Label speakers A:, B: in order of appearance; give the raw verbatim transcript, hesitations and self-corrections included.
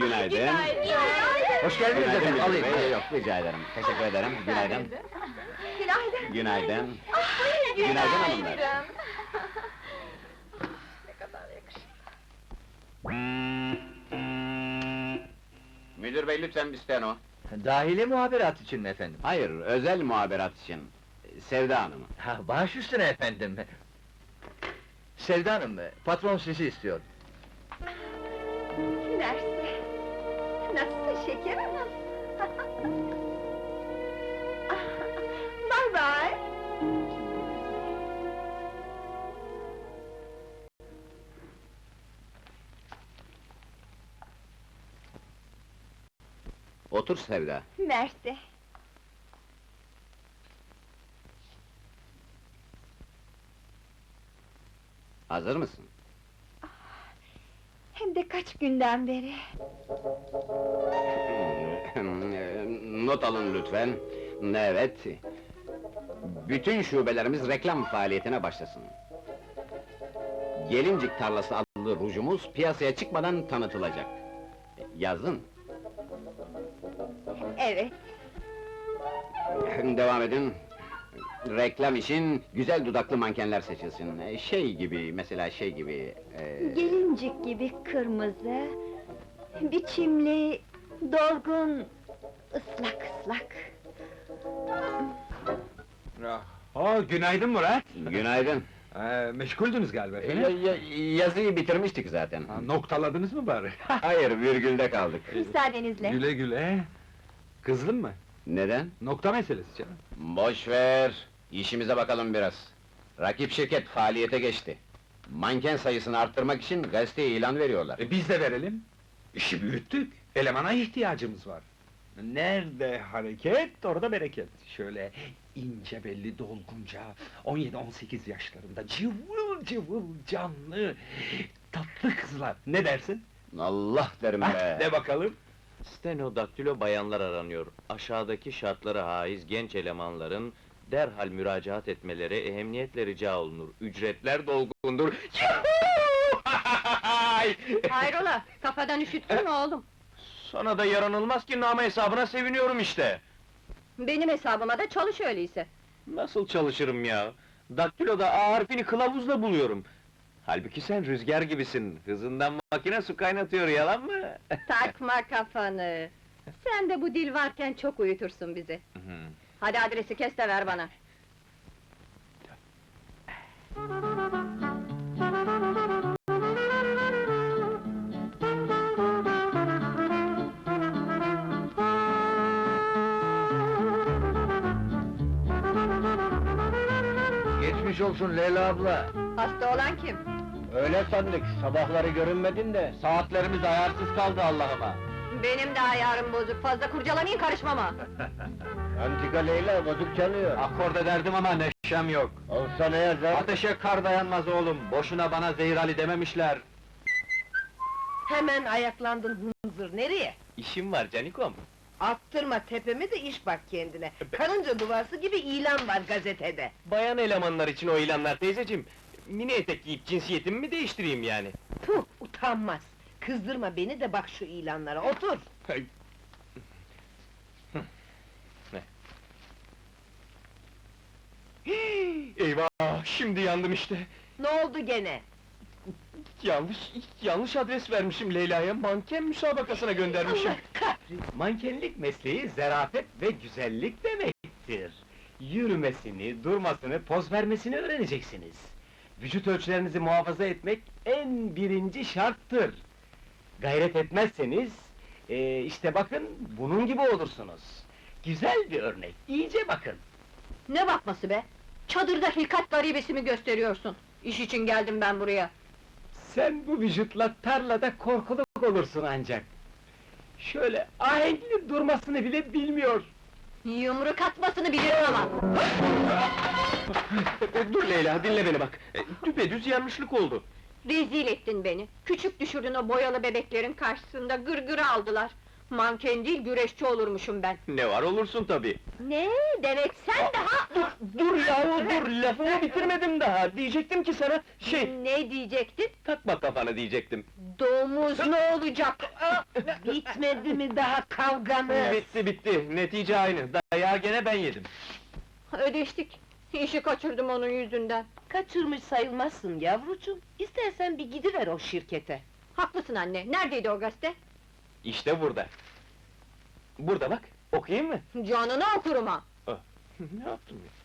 A: Günaydın.
B: Hoş geldiniz
A: Günaydın
B: efendim,
A: müdür
B: alayım.
A: bey. Yok, rica ederim. Teşekkür ederim. Günaydın.
C: Günaydın.
A: Günaydın.
C: Ah, buyurun,
A: Günaydın hanımlar.
C: Ne kadar yakışıklı.
A: Müdür bey, lütfen bir steno.
B: Dahili muhaberat için mi efendim?
A: Hayır, özel muhaberat için. Sevda Hanım'ı.
B: Ha, baş üstüne efendim. Sevda Hanım, patron sizi istiyor.
C: Mersi. Nasılsın şeker hanım? Bye bye.
A: Otur Sevda.
C: Mersi.
A: Hazır mısın?
C: Hem de kaç günden beri.
A: Not alın lütfen. Evet. Bütün şubelerimiz reklam faaliyetine başlasın. Gelincik Tarlası adlı rujumuz piyasaya çıkmadan tanıtılacak. Yazdın.
C: Evet.
A: Devam edin. Reklam için güzel dudaklı mankenler seçilsin. Şey gibi, mesela şey gibi... e,
C: Gelincik gibi kırmızı, biçimli, dolgun, ıslak ıslak.
D: Ha, günaydın Murat!
A: Günaydın.
D: Ee, meşguldünüz galiba
A: Ya-
D: efendim?
A: ya- yazıyı bitirmiştik zaten.
D: Ha, noktaladınız mı bari?
A: Hayır, virgülde kaldık.
C: Müsaadenizle.
D: Güle güle! Kızdın mı?
A: Neden?
D: Nokta meselesi canım.
A: Boş ver, işimize bakalım biraz. Rakip şirket faaliyete geçti. Manken sayısını arttırmak için gazeteye ilan veriyorlar.
D: E, biz de verelim. İşi büyüttük, elemana ihtiyacımız var. Nerede hareket, orada bereket. Şöyle ince belli dolgunca, on yedi on sekiz yaşlarında cıvıl cıvıl canlı, tatlı kızlar. Ne dersin?
A: Allah derim
D: Ha,
A: be!
D: de bakalım.
E: Stenodaktilo bayanlar aranıyor. Aşağıdaki şartlara haiz genç elemanların derhal müracaat etmeleri ehemmiyetle rica olunur. Ücretler dolgundur.
F: Hayrola, kafadan üşüttün mü oğlum?
E: Sana da yaranılmaz ki nama hesabına seviniyorum işte.
F: Benim hesabıma da çalış öyleyse.
E: Nasıl çalışırım ya? Daktiloda A harfini kılavuzla buluyorum. Halbuki sen rüzgar gibisin. Hızından makine su kaynatıyor, yalan mı?
F: Takma kafanı! Sen de bu dil varken çok uyutursun bizi. Hadi adresi kes de ver bana.
B: Geçmiş olsun Leyla abla.
F: Hasta olan kim?
B: Öyle sandık, sabahları görünmedin de, saatlerimiz ayarsız kaldı Allah'ıma.
F: Benim de ayarım bozuk, fazla kurcalamayın karışmama!
B: Antika Leyla bozuk çalıyor.
D: Akorda derdim ama neşem yok.
B: Olsa ne yazar?
D: Ateşe kar dayanmaz oğlum, boşuna bana Zehir Ali dememişler.
G: Hemen ayaklandın hınzır, nereye?
E: İşim var canikom.
G: Attırma tepemi de iş bak kendine. Karınca duvarsı gibi ilan var gazetede.
E: Bayan elemanlar için o ilanlar teyzeciğim. Mini etek giyip cinsiyetimi mi değiştireyim yani?
G: Tuh, utanmaz! Kızdırma beni de bak şu ilanlara, otur!
E: Eyvah! Şimdi yandım işte!
G: Ne oldu gene?
E: Yanlış, yanlış adres vermişim Leyla'ya, manken müsabakasına göndermişim.
G: Allah kahretsin!
H: Mankenlik mesleği zarafet ve güzellik demektir. Yürümesini, durmasını, poz vermesini öğreneceksiniz. Vücut ölçülerinizi muhafaza etmek en birinci şarttır. Gayret etmezseniz, eee, işte bakın, bunun gibi olursunuz. Güzel bir örnek, iyice bakın.
F: Ne bakması be? Çadırda hilkat garibesimi gösteriyorsun. İş için geldim ben buraya.
H: Sen bu vücutla tarlada korkuluk olursun ancak. Şöyle ahenkli durmasını bile bilmiyor.
F: Yumruk atmasını bilirim ama!
E: Dur Leyla, dinle beni bak! E, Düpedüz yanlışlık oldu.
F: Rezil ettin beni! Küçük düşürdün o boyalı bebeklerin karşısında, gırgırı aldılar! Manken değil, güreşçi olurmuşum ben.
E: Ne var olursun tabii.
F: Ne? Demek sen daha...
B: Dur yahu dur, lafımı bitirmedim daha. Diyecektim ki sana, şey...
F: Ne diyecektin?
E: Takma kafanı diyecektim.
F: Domuz ne olacak?
G: Bitmedi mi daha kavganız?
E: Bitti bitti, netice aynı. Dayağı gene ben yedim.
F: Ödeştik. İşi kaçırdım onun yüzünden.
G: Kaçırmış sayılmazsın yavrucuğum. İstersen bir gidiver o şirkete.
F: Haklısın anne, neredeydi o gazete?
E: İşte burada. Burada bak, okuyayım mı?
F: Canını okurum ha!
E: Ne yaptım ya?